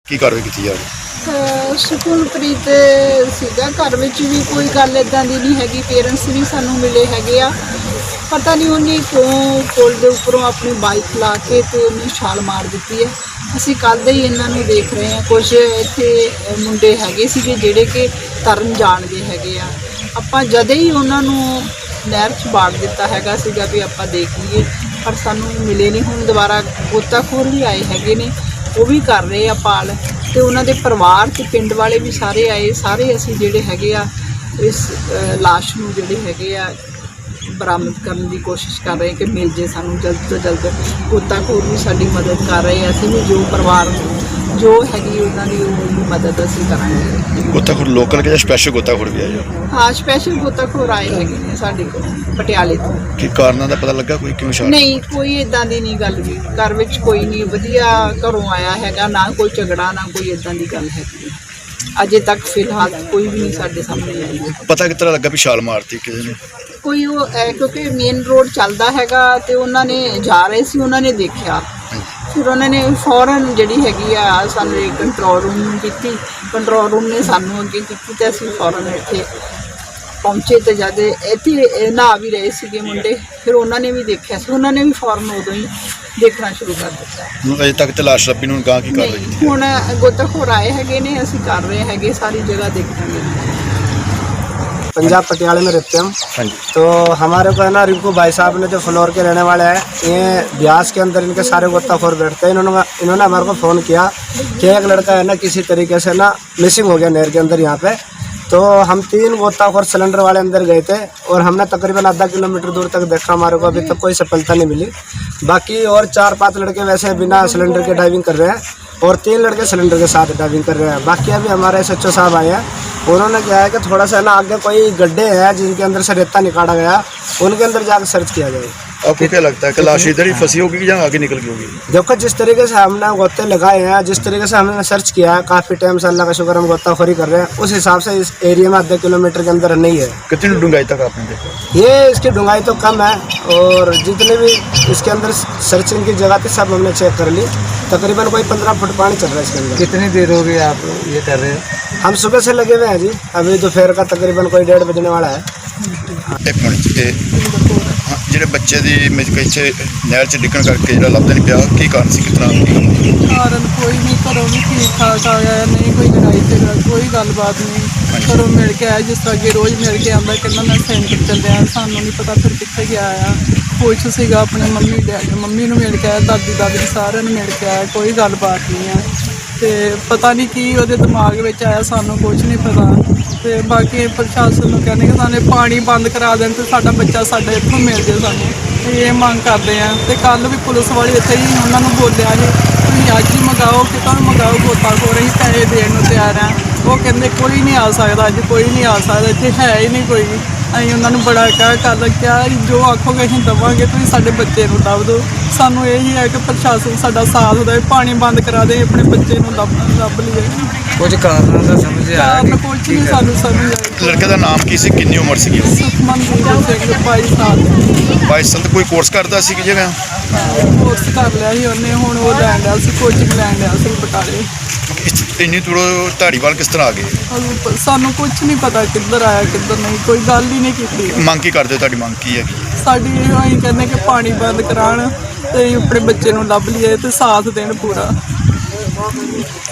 ਕੀ ਕਾਰਵਾਈ ਕੀਤੀ ਜਾਵੇ? ਸੁਖਮਨਪ੍ਰੀਤ ਸੀਗਾ ਘਰ ਵਿੱਚ ਵੀ ਕੋਈ ਗੱਲ ਇਦਾਂ ਦੀ ਨਹੀਂ ਹੈਗੀ। ਪੇਰੈਂਟਸ ਵੀ ਸਾਨੂੰ ਮਿਲੇ ਹੈਗੇ ਆ। ਪਤਾ ਨਹੀਂ ਉਹਨੇ ਕਿਉਂ ਪੁਲ ਦੇ ਉੱਪਰੋਂ ਆਪਣੀ ਬਾਈਕ ਲਾ ਕੇ ਤੇ ਉਹਨੇ ਛਾਲ ਮਾਰ ਦਿੱਤੀ ਹੈ। ਅਸੀਂ ਕੱਲ੍ਹ ਦੇ ਹੀ ਇਹਨਾਂ ਨੂੰ ਦੇਖ ਰਹੇ ਹਾਂ। ਕੁਝ ਇੱਥੇ ਮੁੰਡੇ ਹੈਗੇ ਸੀਗੇ ਜਿਹੜੇ ਕਿ ਤਰਨ ਜਾਣਦੇ ਹੈਗੇ ਆ। ਆਪਾਂ ਜਦੇ ਹੀ ਉਹਨਾਂ ਨੂੰ ਨਹਿਰ 'ਚ ਬਾੜ ਦਿੱਤਾ ਹੈਗਾ ਸੀਗਾ ਵੀ ਆਪਾਂ ਦੇਖ ਲਈਏ, ਪਰ ਸਾਨੂੰ ਮਿਲੇ ਨਹੀਂ। ਹੁਣ ਦੁਬਾਰਾ ਗੋਤਾਖੋਰ ਵੀ ਆਏ ਹੈਗੇ ਨੇ, ਉਹ ਵੀ ਕਰ ਰਹੇ ਆ ਪਾਲ, ਤੇ ਉਹਨਾਂ ਦੇ ਪਰਿਵਾਰ ਤੇ ਪਿੰਡ ਵਾਲੇ ਵੀ ਸਾਰੇ ਆਏ। ਸਾਰੇ ਅਸੀਂ ਜਿਹੜੇ ਹੈਗੇ ਆ ਇਸ ਲਾਸ਼ ਨੂੰ ਜਿਹੜੇ ਹੈਗੇ ਆ ਬਰਾਮਦ ਕਰਨ ਦੀ ਕੋਸ਼ਿਸ਼ ਕਰ ਰਹੇ ਕਿ ਮਿਲ ਜੇ ਸਾਨੂੰ ਜਲਦ ਤੋਂ ਜਲਦ। ਗੋਤਾਖੋਰ ਵੀ ਸਾਡੀ ਮਦਦ ਕਰ ਰਹੇ ਆ। ਅਸੀਂ ਵੀ ਜੋ ਪਰਿਵਾਰ ਜੋ ਹੈਗੀ ਉਹਨਾਂ ਦੀ ਉਹ ਮਦਦ ਅਸੀਂ ਕਰਾਂਗੇ। ਗੋਤਾਖੋਰ ਲੋਕਲ ਕਿ ਜਾਂ ਸਪੈਸ਼ਲ ਗੋਤਾਖੋਰ ਵੀ ਆਇਆ? ਹਾਂ, ਸਪੈਸ਼ਲ ਗੋਤਾਖੋਰ ਆਏ ਹੈਗੇ ਨੇ ਸਾਡੇ ਕੋਲ ਪਟਿਆਲੇ ਤੋਂ। ਕੀ ਕਾਰਨਾਂ ਦਾ ਪਤਾ ਲੱਗਾ ਕੋਈ ਕਿਉਂ ਛਾਲ? ਨਹੀਂ, ਕੋਈ ਇਦਾਂ ਦੀ ਨਹੀਂ ਗੱਲ ਵੀ। ਘਰ ਵਿੱਚ ਕੋਈ ਨਹੀਂ, ਵਧੀਆ ਘਰੋਂ ਆਇਆ ਹੈਗਾ, ਨਾ ਕੋਈ ਝਗੜਾ ਨਾ ਕੋਈ ਇਦਾਂ ਦੀ ਗੱਲ ਹੈਗੀ। ਅਜੇ ਤੱਕ ਫਿਲਹਾਲ ਕੋਈ ਵੀ ਨਹੀਂ ਸਾਡੇ ਸਾਹਮਣੇ ਆਈ ਹੈ। ਪਤਾ ਕਿਸ ਤਰ੍ਹਾਂ ਲੱਗਾ ਵੀ ਛਾਲ ਮਾਰਤੀ ਕਿਸੇ ਨੇ? ਕੋਈ ਉਹ ਕਿਉਂਕਿ ਮੇਨ ਰੋਡ ਚੱਲਦਾ ਹੈਗਾ ਤੇ ਉਹਨਾਂ ਨੇ ਜਾ ਰਹੇ ਸੀ, ਉਹਨਾਂ ਨੇ ਦੇਖਿਆ, ਫਿਰ ਉਹਨਾਂ ਨੇ ਫੌਰਨ ਜਿਹੜੀ ਹੈਗੀ ਆ ਸਾਨੂੰ ਕੰਟਰੋਲ ਰੂਮ ਨੂੰ ਕੀਤੀ। ਕੰਟਰੋਲ ਰੂਮ ਨੇ ਸਾਨੂੰ ਅੱਗੇ ਕੀਤੀ ਤੇ ਅਸੀਂ ਫੌਰਨ ਇੱਥੇ ਪਹੁੰਚੇ। ਤੇ ਜਦ ਇੱਥੇ ਨਹਾ ਵੀ ਰਹੇ ਸੀਗੇ ਮੁੰਡੇ, ਫਿਰ ਉਹਨਾਂ ਨੇ ਵੀ ਦੇਖਿਆ ਸੀ। ਉਹਨਾਂ ਨੇ ਵੀ ਫੌਰਨ ਉਦੋਂ ਹੀ ਦੇਖਣਾ ਸ਼ੁਰੂ ਕਰ ਦਿੱਤਾ। ਅਜੇ ਤੱਕ ਤੇ ਲਾਸ਼ ਲੱਭੀ ਨੂੰ ਗਾਂ ਕੀ ਕਾਰਵਾਈ ਕੀਤੀ? ਹੁਣ ਗੋਤਾਖੋਰ ਆਏ ਹੈਗੇ ਨੇ, ਅਸੀਂ ਕਰ ਰਹੇ ਹੈਗੇ, ਸਾਰੀ ਜਗ੍ਹਾ ਦੇਖਾਂਗੇ। पंजाब पटियाले में रहते हम। हाँ जी। तो हमारे को है ना रिंकू भाई साहब ने जो फ्लोर के रहने वाले हैं, ये ब्यास के अंदर इनके सारे गोताखोर बैठते हैं। इन्होंने हमारे को फ़ोन किया कि एक लड़का है ना किसी तरीके से ना मिसिंग हो गया नहर के अंदर यहाँ पे। तो हम 3 गोताखोर सिलेंडर वाले अंदर गए थे और हमने तकरीबन आधा किलोमीटर दूर तक देखा। हमारे को अभी तक कोई सफलता नहीं मिली। बाकी और 4-5 लड़के वैसे बिना सिलेंडर के डाइविंग कर रहे हैं और 3 लड़के सिलेंडर के साथ डाइविंग कर रहे हैं। बाकी अभी हमारे SHO साहब आए हैं, उन्होंने क्या है कि थोड़ा सा ना आगे कोई गड्ढे हैं जिनके अंदर से रेता निकाला गया, उनके अंदर जाकर सर्च किया जाए। आपको क्या लगता है कि लाश इधर ही फंसी होगी या आगे निकल गई होगी? देखो, जिस तरीके से हमने गोते लगाए हैं, जिस तरीके से हमने सर्च किया है, काफ़ी टाइम से अल्लाह का शुक्र हम गोताखोरी कर रहे हैं, उस हिसाब से इस एरिया में आधे किलोमीटर के अंदर नहीं है। कितनी डूंगाई तक आपने देखा? ये इसकी डूंगाई तो कम है और जितने भी इसके अंदर सर्चिंग की जगह थी सब हमने चेक कर ली। तकरीबन कोई 15 फुट पानी चल रहा है इसके अंदर। कितनी देर हो गई आप ये कर रहे हैं? हम सुबह से लगे हुए हैं जी। अभी दोपहर का तकरीबन कोई 1:30 बजने वाला है। एक मिनट ते हाँ, ਜਿਹੜੇ ਬੱਚੇ ਦੀ ਇੱਥੇ ਨਹਿਰ 'ਚ ਡਿੱਗਣ ਕਰਕੇ ਜਿਹੜਾ ਲੱਭਦਾ ਨਹੀਂ ਪਿਆ, ਕੀ ਕਾਰਨ ਸੀ? ਕਿਤਨਾ ਕਾਰਨ ਕੋਈ ਨਹੀਂ, ਘਰੋਂ ਵੀ ਠੀਕ ਠਾਕ ਆਇਆ, ਨਹੀਂ ਕੋਈ ਲੜਾਈ ਝਗੜਾ, ਕੋਈ ਗੱਲਬਾਤ ਨਹੀਂ। ਘਰੋਂ ਮਿਲ ਕੇ ਆਇਆ ਜਿਸ ਤਰ੍ਹਾਂ ਅੱਗੇ ਰੋਜ਼ ਮਿਲ ਕੇ ਆਉਂਦਾ, ਕਹਿੰਦਾ ਮੈਂ ਸੈਂਟਰ ਚੱਲਿਆ। ਸਾਨੂੰ ਨਹੀਂ ਪਤਾ ਫਿਰ ਕਿੱਥੇ ਗਿਆ ਆ। ਕੁਛ ਸੀਗਾ ਆਪਣੇ ਮੰਮੀ ਨੂੰ ਮਿਲ ਕੇ ਆਇਆ, ਦਾਦੀ ਸਾਰਿਆਂ ਨੂੰ ਮਿਲ ਕੇ ਆਇਆ, ਕੋਈ ਗੱਲਬਾਤ ਨਹੀਂ ਆ। ਤੇ ਪਤਾ ਨਹੀਂ ਕੀ ਉਹਦੇ ਦਿਮਾਗ ਵਿੱਚ ਆਇਆ, ਸਾਨੂੰ ਕੁਛ ਨਹੀਂ ਪਤਾ। ਤੇ ਬਾਕੀ ਪ੍ਰਸ਼ਾਸਨ ਨੂੰ ਕਹਿੰਦੇ ਕਿ ਸਾਨੂੰ ਪਾਣੀ ਬੰਦ ਕਰਾ ਦੇਣ ਤੇ ਸਾਡਾ ਬੱਚਾ ਸਾਡੇ ਇੱਥੋਂ ਮਿਲ ਜੇ। ਸਾਨੂੰ ਇਹ ਮੰਗ ਕਰਦੇ ਆ। ਤੇ ਕੱਲ੍ਹ ਵੀ ਪੁਲਿਸ ਵਾਲੇ ਇੱਥੇ ਹੀ ਉਹਨਾਂ ਨੂੰ ਬੋਲਿਆ ਸੀ ਤੁਸੀਂ ਅੱਜ ਹੀ ਮੰਗਾਓ, ਕਿਤੋਂ ਮੰਗਾਓ ਗੋਤਾਖੋਰ, ਅਸੀਂ ਪੈਸੇ ਦੇਣ ਨੂੰ ਤਿਆਰ ਆ। ਉਹ ਕਹਿੰਦੇ ਕੋਈ ਨਹੀਂ ਆ ਸਕਦਾ, ਅੱਜ ਕੋਈ ਨਹੀਂ ਆ ਸਕਦਾ, ਇੱਥੇ ਹੈ ਹੀ ਨਹੀਂ ਕੋਈ। ਅਸੀਂ ਉਹਨਾਂ ਨੂੰ ਬੜਾ ਕਿਹਾ ਜੋ ਆਖੋਗੇ ਅਸੀਂ ਦੇਵਾਂਗੇ, ਤੁਸੀਂ ਸਾਡੇ ਬੱਚੇ ਨੂੰ ਲੱਭ ਦਿਓ। ਸਾਨੂੰ ਇਹੀ ਹੈ ਕਿ ਪ੍ਰਸ਼ਾਸਨ ਸਾਡਾ ਸਾਥ ਦੇਵੇ, ਪਾਣੀ ਬੰਦ ਕਰਾ ਦੇ, ਆਪਣੇ ਬੱਚੇ ਨੂੰ ਲੱਭ ਲਈਏ। कुछ कारणों का समझ आया ਕਾਰਨ ਕੁਛ ਨਹੀਂ ਸਾਨੂੰ ਸਮਝ ਆਈ। ਲੜਕੇ ਦਾ ਨਾਮ ਕੀ ਸੀ? ਕਿੰਨੀ ਉਮਰ ਸੀਗੀ? ਸੁਖਮਨਪ੍ਰੀਤ ਸਿੰਘ 22 ਸਾਲ 22 ਸਾਲ। ਕੋਈ ਕੋਰਸ ਕਰਦਾ ਸੀ ਕਿ ਜਿਵੇਂ? ਕੋਰਸ ਕਰ ਲਿਆ ਸੀ ਉਹਨੇ, ਹੁਣ ਉਹ ਲੈਣ ਡਿਆ ਸੀ, ਕੋਚਿੰਗ ਲੈਣ ਡਿਆ ਸੀ ਬਟਾਲੇ। ਇੰਨੀ ਦੂਰੋਂ ਧਾਰੀਵਾਲ ਕਿਸ ਤਰ੍ਹਾਂ ਆ ਗਏ? ਸਾਨੂੰ ਕੁਛ ਨਹੀਂ ਪਤਾ ਕਿੱਧਰ ਆਇਆ ਕਿੱਧਰ ਨਹੀਂ, ਕੋਈ ਗੱਲ ਹੀ ਨਹੀਂ ਕੀਤੀ। ਮੰਗ ਕੀ ਕਰਦੇ ਹੋ? ਤੁਹਾਡੀ ਮੰਗ ਕੀ ਹੈਗੀ? ਸਾਡੀ ਇਹ ਅਸੀਂ ਕਹਿੰਦੇ ਕਿ ਪਾਣੀ ਬੰਦ ਕਰਾਉਣ ਤੇ ਅਸੀਂ ਆਪਣੇ ਬੱਚੇ ਨੂੰ ਲੱਭ ਲਈਏ ਤੇ ਸਾਥ ਦੇਣ ਪੂਰਾ।